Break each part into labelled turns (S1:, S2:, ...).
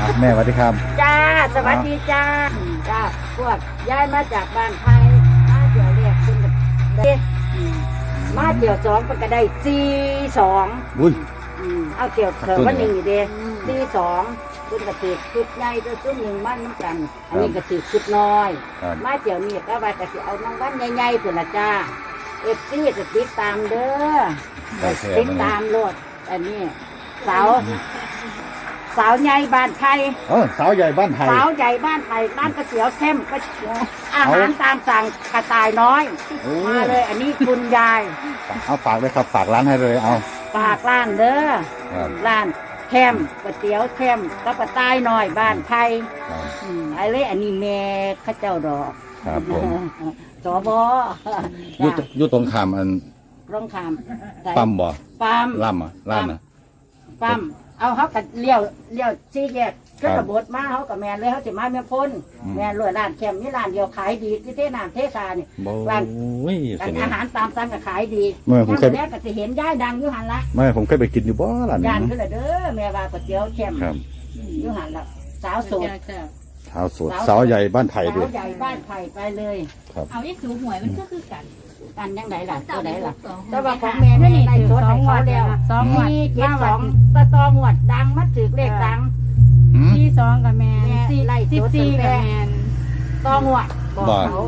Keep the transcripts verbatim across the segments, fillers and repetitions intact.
S1: แม่สวัสดีครับ
S2: จ้าสวัสดีจ้าจ้าพวกย้ายมาจากบ้านไทยมาเดี๋ยวเรียกคุณกับเด็กมาเดี๋ยวสองมันก็ได้สี่สอง
S1: บุญ
S2: เอาเกี่ยวเถอะวันหนึ่งอยู่เดียสี่สองคุณกระติกชุดใหญ่ตัวชุดหนึ่งมันเหมือนกันอันนี้กระติกชุดน้อยมาเดี๋ยวนี้ก็ว่ากระติกเอาน้องวันใหญ่ๆเพื่อนละจ้าเอฟซีจะติดตามเด้อติดตามโลดอันนี้สาวสาวใหญ่บ้านไทย
S1: เออสาวใหญ่บ้านไทย
S2: สาวใหญ่บ้านไทยบ้านกระเสียวเข้มก็อาหารตามสั่งกระต่ายน้อยมาเลยอันนี้คุณยาย
S1: เอาฝากเลยครับฝากร้านให้เลยเอา
S2: ฝากร้านเด้อร้านเข้มก๋วยเตี๋ยวเข้มก็กระต่ายน้อยบ้านไทยอะไรอันนี้แม่ข้าเจ้าดอก
S1: ครับผม
S2: สบ
S1: ยุดยุดตรงขามอัน
S2: ตรงขาม
S1: ปั๊มบ่
S2: ปั๊ม
S1: ล่ำอ่ะล่ำอ่ะ
S2: ปั๊มเอาเขากับเลี้ยวเลี้ยวซีแยกก็ระบดมาเขากับแมนเลยเขาจะมาเมียพ้นแมนรวยร้านแคมนี่ร้านเดียวขายดีที่เทน้ำเทซาเนี่ยร้านอาหารตามสั่งก็ขายดี
S1: เมื่อผมเคย
S2: แม่ก็จะเห็นย่ายดังยุหันละ
S1: เมื่อผมเคยไปกินอยู่บ่ร้านนี้
S2: ย่านขึ้นเลยเด้อแม่ว่าก๋วยเตี๋ยวแคมยุหันละสาวโสด
S1: สาวโสดสาวใหญ่บ้านไผ่ด้วย
S2: สาวใหญ่บ้านไผ่ไปเลย
S3: เอาที่สูหวยมันก็คือกัน
S2: กันยังไงล่ะตัวไหนล่ะแต่ว่าของแม่นี่ในรถให้เขาแล้วสองหวดเจ็ดสองตะตองหวดดังมัดถือเลขดัง
S3: สี่สองกับแมนสี่สิบสี่กับแมน
S2: ตองหวดบอกเขา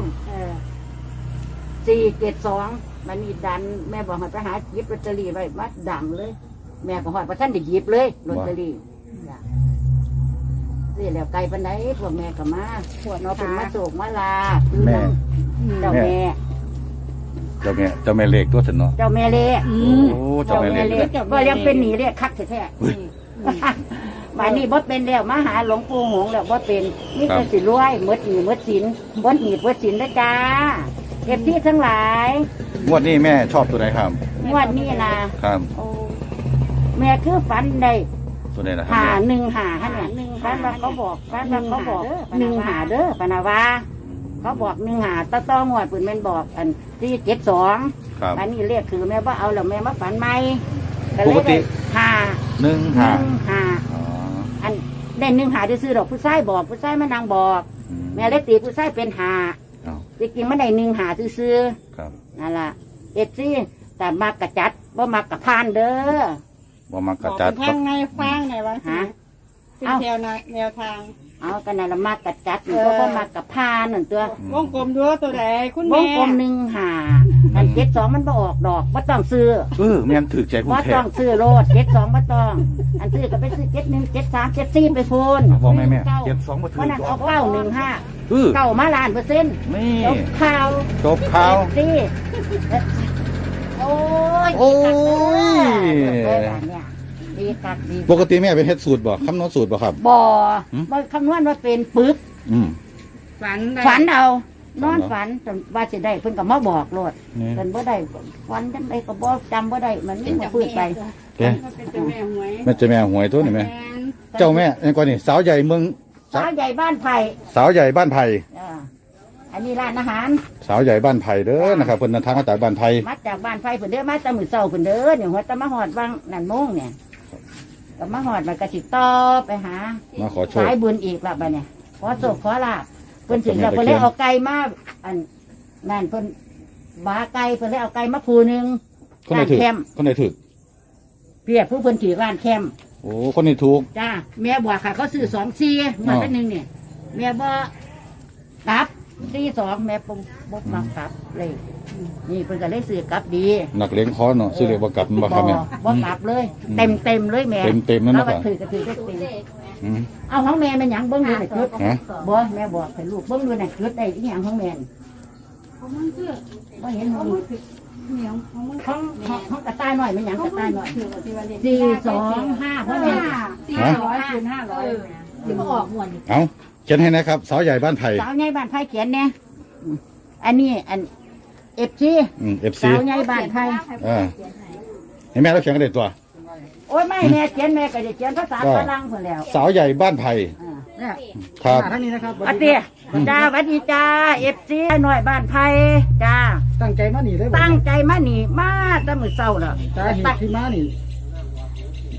S2: สี่เจ็ดสองมันมีดันแม่บอกให้ไปหาหยิบลอตเตอรี่ไว้มัดดังเลยแม่ก็หอดประท่านได้หยิบเลยลอตเตอรี่นี่แล้วไกลปันไหนพวกแม่ก็มาพวกน้องเป็นมาโศกมาลา
S1: แม่
S2: เจ้าแม่
S1: เจ้าแม่เจ้าแม่เล็กตัวฉันเนาะ
S2: เจ้าแม่เล็ก
S1: โอ้เจ้าแม่เล็ก
S2: ก็ยังเป็นหนีเรียกคักแท้ๆมานี่บ่เป็นแล้วมาหาหลวงปู่หงแล้วบ่เป็นนี่จะสิรวยมดหนีมดสินมดหนีมดสินนะจ้าเก็บที่ทั้งหลาย
S1: งวดนี้แม่ชอบตัวไหนครับ
S2: งวดนี้นะครับแม่คือฝันได้
S1: ตัวไหนนะ
S2: หาหนึ่งหาฮะเนี่ยฝันว่าเขาบอกฝันว่าเขาบอกหนึ่งหาเด้อปนาวาเขาบอกหนึ่งหาตะต้องวดปืนแม่บอกอันที่เจ็ดสองอันนี้เรียกคือแม่ว่าเอาแล้วแม่มาฝันไหม
S1: ปกติ
S2: หา
S1: หนึ่งหา
S2: หาอันได้หนึ่งหาได้ซื้อดอกผู้ชายบอกผู้ชายมานางบอกแม่เล็กตีผู้ชายเป็นหาจริงๆมันได้หนึ่งหาซื้อนั่นล่ะเอ็ดซี่แต่มากระจัดว่ามักกระพานเด้อ
S1: ว่ามักกระจัด
S3: ทางไงฟังไหนวะฮะเป็นแนวแนวทาง
S2: เอากันนั่นละมากกระจัดเพราะว่ามากับพานหนึ่งตัว
S3: วงกลมด้วยตัวไหนคุณแม่
S2: วงกลมหนึ่งหาอันเจ็ดสองมันบ่ออกดอกบ่ต้องซื้อ
S1: เออแม่ถือใจคุณแท้
S2: บ่ต้องซื้อโลดเจ็ดสองบ่ต้องอันซื้อก็ไปซื้อเจ็ดหนึ่งเจ็ดสามเจ็ดสี่ไปโฟน
S1: บอกแม่แม่เจ็ดสองมาถือ
S2: วันนั้นเอาเก้าหนึ่งห้าเก้ามาล้านเปอร์เซ็นต์
S1: นี่
S2: จบข่าว
S1: จบข่าว
S2: สี่โอ้ย
S1: โอ้ยปกติแม่เป็นเฮ็ดสูตรบ่คำนวณสูตรบ่ครับ
S2: บ่บ่คำนวณว่าเป็นปึก
S3: ฝัน
S2: ฝันเอานอนฝันจนว่าจะได้เพิ่นก็มาบอกโลดเพิ่นบ่ได้ฝันจังไดก็บ่จำบ่ได้มันไม่พูดไป
S1: แม่เจ้าแม่หวยแม่เจ้าแม่หวยตัวนี่แม่เจ้าแม่นี่ก่อนนี่สาวใหญ่เมือง
S2: สาวใหญ่บ้านไผ่
S1: สาวใหญ่บ้านไผ่
S2: อันนี้ร้านอาหาร
S1: สาวใหญ่บ้านไผ่เด้อนะครับเพิ่นทางมาจากบ้านไผ่
S2: มาจากบ้านไผ่เพิ่นเด้อมาแต่มื้อเช้าเพิ่นเด้อเนี่ยหัวตะมาฮอดวังนั่นโมงเนี่ยก็มาหอดมันก็สิต่อไปหา
S1: มาขอโชค
S2: สายบุญอีกละบ้าเนี่ยขอโชคขอลาภเพิ่นถึงแล้วเพิ่นเลยเอาไก่มาอันนั่นเพิ่นบาไก่เพิ่นเลยเอาไก่มาผูนึง
S1: คนไหนถือคนไหนถือ
S2: เพียผู้เพิ่นถือร้านแคม
S1: โอ้คนนี้ถูก
S2: จ้าแม่บอกค่ะเขาซื้อสองซีมาเป็นหนึ่งเนี่ยแม่บอกกลับซีสองแม่ปุ๊บปุ๊บมากลับเลยนี่เพิ่นก็ได้ซื้อกลับดี
S1: หนักเลี้ยงคอเนาะซื้อเรียกว่ากลับมาครับแม่
S2: บ่กลับเลยเต็มเต็มเลยแม่
S1: เต็มเต็มนั่นนะครับ
S2: ถือก็ถือก็เต็มเอาของแม่มันหยังเบิ้งดูหน่อยคือบ่แม่บอกให้ลูกเบิ้งดูหน่อยคือได้ที่หยังของแม่
S3: ของมันคือ
S2: บ่เห็นของ
S3: เหนียวของมัน
S2: ของของกระต่ายหน่อยมันหยังกระต่ายหน่อยสี่สองห้าเพราะแม่
S3: สี่ร้อยคูณห้าร้อยที่มาออกหมวด
S1: เอาเขียนให้นะครับสาวใหญ่บ้านไผ่
S2: สาวใหญ่บ้านไผ่เขียนเนี่ยอันนี้อันเอฟซี
S1: เอฟซี
S2: สาวใหญ่บ้านไผ่
S1: เห็นแม่เราเขียนกันเด็ดตัว
S2: โอ้ยไม่แม่เขียนแม่ก็จะเขียนภาษาฝรั่งคนแล้ว
S1: สาวใหญ่บ้านไผ่ครับ
S3: ท่านนี้นะครับ
S2: อาเตี้ยจ้าสวัสดีจ้าเอฟซีหน่อยบ้านไผ่จ้า
S3: ตั้งใจมาหนีได้
S2: ตั้งใจมาหนีมาตั้งมือเศร้าแล้ว
S3: สาเหตุที่มาหนี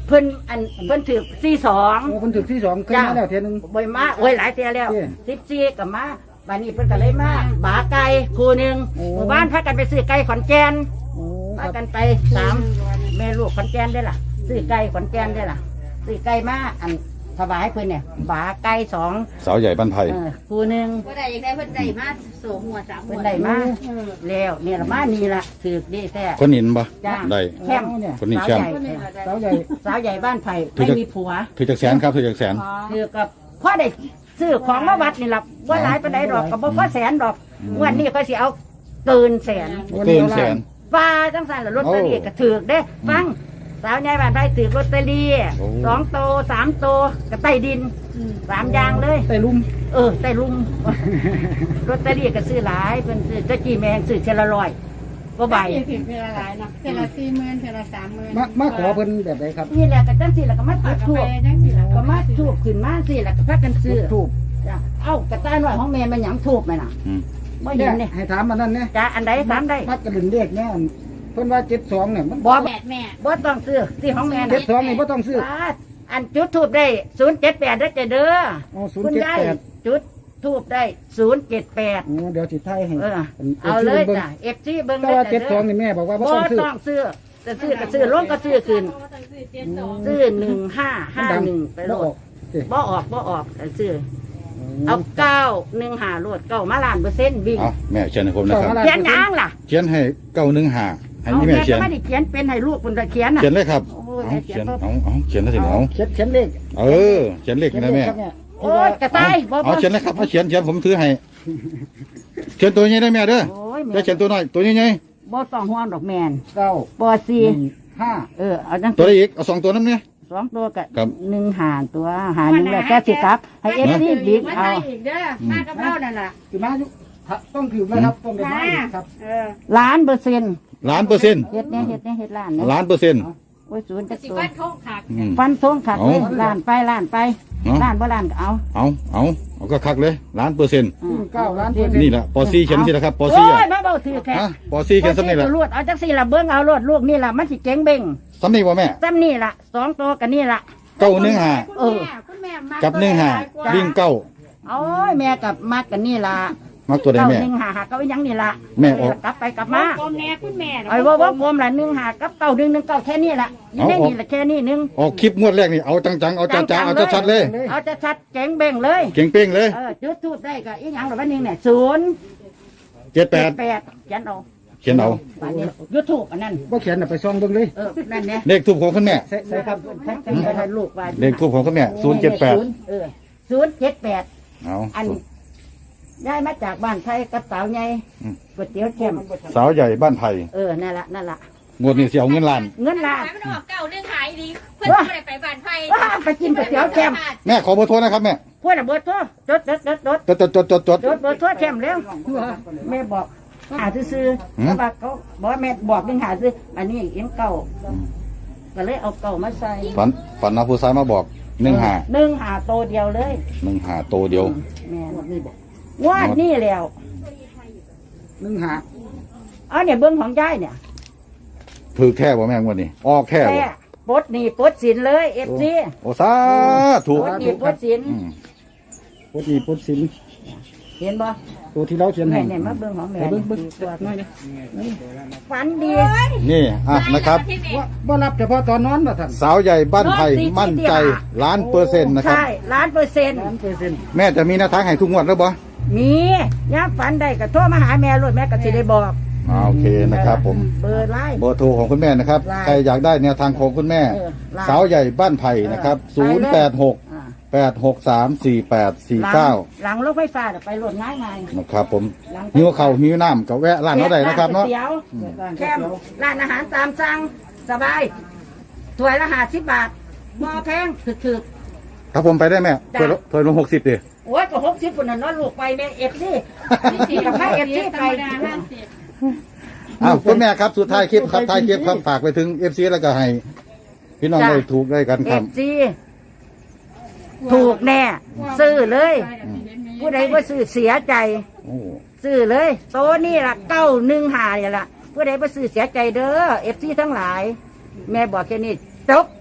S2: เพิ่นอันเพิ่นถือสี่สอง
S4: โอ้คนถึกที่สองเคยมาแล้วเทียหนึง
S2: บ่อยมาโอ้ยหลายเตียแล้ว
S4: เจ้
S2: สิบสี่กับมาบัดนี้เพิ่นก็เลยมาบาไก่คู่หนึ่ง
S4: โอ้
S2: หมู่บ้านพากันไปซื้อไก่ขอนแก่น
S4: โอ้ค
S2: พา
S4: รับ
S2: กันไปสามแม่ลูกขอนแก่นได้ล่ะซื้อไก่ขอนแก่นได้ล่ะซื้อไก่มาอันถวายเพิ่นเนี่ยบาไก่สอง
S1: สาวใหญ่บ้านไผ่
S2: เออคู่หนึ่ง
S3: ก็ได้ยังได้เพิ่นได้มาโสหัวสามหั
S2: เพิ่
S3: วน
S2: ได้มาแล้วเนี่ยละมานี่ล่ะถือดีแท้
S1: คนหินปะ
S2: จ้า
S1: ได้
S2: แคมป์
S4: เนี่ย
S1: คนนี้
S2: สาว
S1: แชมป์
S2: ใหญ่
S4: สาวใหญ่
S2: สาวใหญ่บ้านไผ่ไม่มีผัว
S1: ถือจากแสนครับถือจากแสน
S2: คือกับพ่อได้ซื้อของมาวัดนี่ล่ะว่าหลายปานใดดอกกับบ่พอแสนดอกงวันนี้ก็สิเอาเกินแสน
S1: เกินแสน
S2: ฟ้าจังสันละลอตเตอรี่ก็ถือเด้ฟังสาวใหญ่บ้านไผ่ถือลอตเตอรี่
S1: โอ้
S2: สองโตสามโตก็ใต้ดินสามอย่างเลย
S4: ใต้ลุ่ม
S2: เออใต้ลุม ลอตเตอรี่ก็ซื้อหลายเพิ่นซื้อตะกี้แมงซื้อเชละร้อยก็ใบ
S3: ถึงเวลาหลายเนาะเวลาสี่หมื่นเวลาสามหมื่น
S4: มามาขอเพิ่นแบบไหนครับ
S2: นี่แหละก็จังสิแล้วก็มาจุด
S3: ถู
S2: ทู
S3: ก
S2: บ
S3: จังสิล่ะ
S2: ก็มาทูบขึ้นมาสิแล้วก็พากันซื้อ
S4: ถูก
S2: จ้ะเอ้ากระต่ายน้อยของแม่มันหยังทูบไหมน่ะ
S1: อืม
S2: บ่
S4: เนี่
S2: เห็
S4: ย
S2: นเนี่ย
S4: ให้ถามมันนั่นเนี่ย
S2: จ้ะอันใดถามได้
S4: มัดกระดิ่งเรียกเนี่ยอันเพิ่นว่าเจ็ดสองเนี่ยมัน
S2: บ่
S3: แม่แม่
S2: บ่ต้องซื้อสิของแม่
S4: เจ็
S2: น่ะ
S4: ดสองนี่บ่ต้องซื้อ
S2: อ่าอันจุดทูบได้ศูนย์เจ็ดแปดเด้อจ้ะเด้อ
S4: โอ้ศูน
S2: คุ
S4: ย์
S2: ณ
S4: เจ็ด
S2: ยาย
S4: แปด
S2: จุดทูบได้ศูนย์เจ็ดแปด
S4: โอ้เดี๋ยวสิไทยให้
S2: เออ
S4: ป็น
S2: เอาเลย
S4: บิ่ง
S2: จ้ะ เอฟซีเบิ่ง
S4: แต่
S2: เลย
S4: ว่า
S2: จ้ะ
S4: เจ็ดส
S2: เด้
S4: อง
S2: อ
S4: นี่แม่บอกว่าบ่
S2: บ่
S4: ต้องซื้อ
S2: ต้องซื้อจะซื้อก็ซื้อลงก็ซื้อคืนซื้อหนึ่งห้าห้าหนึ่งไปโล
S4: บ่ออ
S2: ด
S4: กเจ้
S2: บ่ออกบ่ออกแต่ซื้อเอาเก้าหนึ่งหาโลดเก้ามาล้านเปอร์เซ็นต์วิ่ง
S1: เอาแม่เขียนให้ผมนะครับ
S2: เขียนหยังล่ะ
S1: เขียนให้เก้าหนึ่งห้าให้
S2: เอา
S1: นี่
S2: แม่
S1: แม่เขีย
S2: ก็
S1: น
S2: ไม่ได้เขียนเป็นให้ลูกคนเขียนน่ะ
S1: เขียนเลยครับ
S2: โอ้
S1: เอา
S2: ยเขี
S1: เขี
S2: ย
S1: ย
S2: น
S1: น
S2: บ่
S1: เอาเอาเขียนได้สิเอา
S4: เขียนเขียนเลข
S1: เออเขียนเลขนะแม่
S4: ครับเนี่ย
S2: โอ้ยกระต่ายบ่
S1: เอา
S2: บ่
S1: เขียนเลยครับเอาเขียนเขียนผมถือให้เขียนตัวใหญ่ได้แม่เด้อ
S2: โอ้ย
S1: จะ
S2: แม่
S1: เขียนตัวน้อยตัวใหญ่
S2: บ่ต้องห่วงดอกแมน
S4: เก้า
S2: บ่สี่
S4: หนึ่งห้า
S2: เออเอาจัง
S1: ๆตัวได้อีกเอาสองตัวนั้นเนี่ย
S2: สองตัวกับ
S1: ครับ
S2: หนึ่งหารตัวหารหนึ่งแล้วแกสิครับ ให้เอฟซีบิ๊ก
S3: มา
S2: เอา
S3: ได้อีกเด้อมากับเรานั่นล่ะ
S4: คือมาอยู่ถ้าต้องถือนะครับต้องได้มาอีกครับ
S3: เออ
S2: ล้านเปอร์เซ็นต์
S1: ล้านเปอร์เซ็นต์
S2: เฮ็ดเนี่ยเฮ็ดเนี่ยเฮ็ดล้านเนี่ย
S1: ล้านเปอร์เซ็นต์
S2: โอ้ยศูนย์จัก
S3: สิ
S2: ตัว
S3: ว่าเขาขาด
S1: อืม
S2: ฟันทงขัด
S1: เอา
S2: เลยล้านไปล้านไป
S1: เนาะ
S2: ล้านบ่ล้านก็เอา
S1: เอาเอาเอาก็คักเลยล้านเปอร์เซ็นต์
S2: อืม
S4: เก้าล้านเปอร์เซ็นต์
S1: นี่แหละปอซีเขียนสินะครับปอ
S2: โอ้
S1: ซี
S2: ย
S1: อ่ะ
S2: มาเบาถือแค่
S1: ฮะปอซีเขียนสำนี่แหละ
S2: รวดเอาจักสี่ละเบิ้งเอารวดลูกนี่ล่ะมันสิเจ๋งเบ่ง
S1: สำนี่บ่แม่
S2: ซ้ำนี่ล่ะสองตัวกันนี่ล่ะ
S1: เก้าหนึ่งห้า
S3: คุณแม่คุณแม่มา
S1: กับหนึ่งห้าวิ่งเก้า
S2: โอ้ยแม่กับมักกันนี่ล่ะ
S1: มักตัวใด
S2: เก้า
S1: แม่
S2: หนึ่งหาหาเก้าอีหยังนี่ล่ะ
S1: แม่ออก
S2: กลับไปกลับมา
S3: พ่อแม่คุณแม่
S2: ไอ้ว่าว่าผมละหนึ่งหากับเก้าหนึ่งหนึ่งเก้าแค่นี้ละนี่ได้นี่ละแค่นี้หนึง
S1: ออกคลิปงวดแรกนี่เอาจังๆเอาจ้าๆเอาชัดๆเลย
S2: เอาจะชัดเจ๋งเบ่งเลย
S1: เก่งเป้งเลย
S2: เออจุดทูบได้ก็อีหยังหรือว่านี่เนี่ยศูนย์
S1: เจ็ดแปด
S2: แปดเขียนเอา
S1: เขียนเอา
S2: อันนี้ยุดทูบอันนั้น
S4: บ่เขียนน่ะไปซ่องเบิ่งเลย
S2: เออนั่นเนี่ย
S1: เลขทูบของคุณแม่
S4: ใส่ใส่ครับ
S2: แท็กซี่ให้ลูกว่า
S1: เลขทูบของคุณแม่ศูนย์เจ็ดแปด
S2: เออศูนย์เจ็ดแปด
S1: เอา
S2: อันย้ายมาจากบ้านไทยกับสาวใหญ่ก๋วยเตี๋ยวแจ่ม
S1: สาวใหญ่บ้านไผ่
S2: เออนั่นละนั่นละ
S1: งวดนี้เสียเอาเงินล้าน
S2: เงินล้าน
S3: ไม่ต้องออกเก่าเรื่องขายดีเพื่อนไม่ได้ไปบ้านไฟ
S2: ว้าไปกินก๋วยเตี๋ยวแจ่ม
S1: แม่ขอเบอร์โทรนะครับแม่
S2: พวกน่ะเบอร์โทรจดจดจดจด
S1: จดจดจดจดจด
S2: จดเบอร์โทรแจ่มเร็วแม่บอกหาซื้อๆเพราะว่าเขาบอกว่าแม่บอกเป็นหาซื้ออันนี้เอ็นเก่าก็เลยเอาเก่ามาใส่
S1: ฝันฝันเอาผู้ชายมาบอกหนึ่งหา
S2: หนึ่งหาโตเดียวเลย
S1: หนึ่งหาโตเดียว
S2: แม่นี่บอกวาดนี่แล้ว
S4: หนึ่งหา
S2: เอาเนี่ยเบิ้งของยายเนี่ย
S1: ถือแค่บ่แม่งวันนี้ออกแค่
S2: แค่
S1: บ่
S2: ปลดหนี่ปลดสินเลยเอฟซี
S1: โอ้สาธุ
S2: ปลดหนี่ปลดสิน
S1: อืม
S4: ปกติปกสิน
S2: เห็นบ่
S4: ตัวที่เราเขียนให้
S2: แม่เนี่ยมาเบิ้งของแม่
S4: ไปเบิ่งเบิ่ง
S2: ตัวน้อยนะฝันดี
S1: นี่อ่ะนะครับ
S4: ว่าบ่รับเฉพาะตอนนอนว่าท่าน
S1: สาวใหญ่บ้านไผ่มั่นใจล้านเปอร์เซ็นต์นะครับ
S2: ใช่ล้านเปอร์เซ็นต์
S4: ล้านเปอร์เซ็นต์
S1: แม่จะมีแนวทางให้ทุกงวดแล้วบ่
S2: มีย่ามฝันได้ก็โทรมาหาแม่รถแม่ก็สิได้บอก
S1: อ่าโอเคนะครับผม
S2: เบอร์ไลน์
S1: เบอร์โทรของคุณแม่นะครับ
S2: ไลน์
S1: ใครอยากได้แนวทางของคุณแม่
S2: เออไลน์
S1: สาวใหญ่บ้านไผ่นะครับ
S2: เอ
S1: ศู
S2: อน
S1: ย์
S2: ไป
S1: แป
S2: เลย
S1: ดหก
S2: อ่า
S1: แปดหกสามสี่แปดสี่
S2: หลัง
S1: เก้า
S2: หลังรถไฟฟ้าน่ะไปรถง่ายไง
S1: นะครับผม
S2: หลัง
S1: หิวเข่าวหิวน้ำกับแวะร้านเราได้นะครับเนาะ
S2: ก๋วยตี๋ยวแคมร้านอาหารตามสั่งสบายถ้วยละห้าสิบบาทหม้อแพงถึก
S1: ครับผมไปได้แม่
S2: จ้ะ
S1: ถ้วยละถ้วยละหกสิบดิ
S2: ๆโอ้ยก็หกสิบคนน่ะเนอนลูกไปแม่เอฟซีสี่กับแม่เอฟซีไป
S1: อ้าวคุณแม่ครับสุดท้ายคลิปครับท้ายคลิปครับฝากไปถึงเอฟซีแล้วก็ให้ พี่น้องได้ถูกได้กัน
S2: เอ
S1: ครับ
S2: ฟซีถูกแน่ ซื้อเลย ผู้ใดว่าซื้อเสียใจ
S1: โอ้
S2: ซื้อเลยโตนี่ละเก้าหนึ่งหาเนี่ยละผู้ใดว่าซื้อเสียใจเด้อเอฟซีทั้งหลาย แม่บอกแค่นี้จบ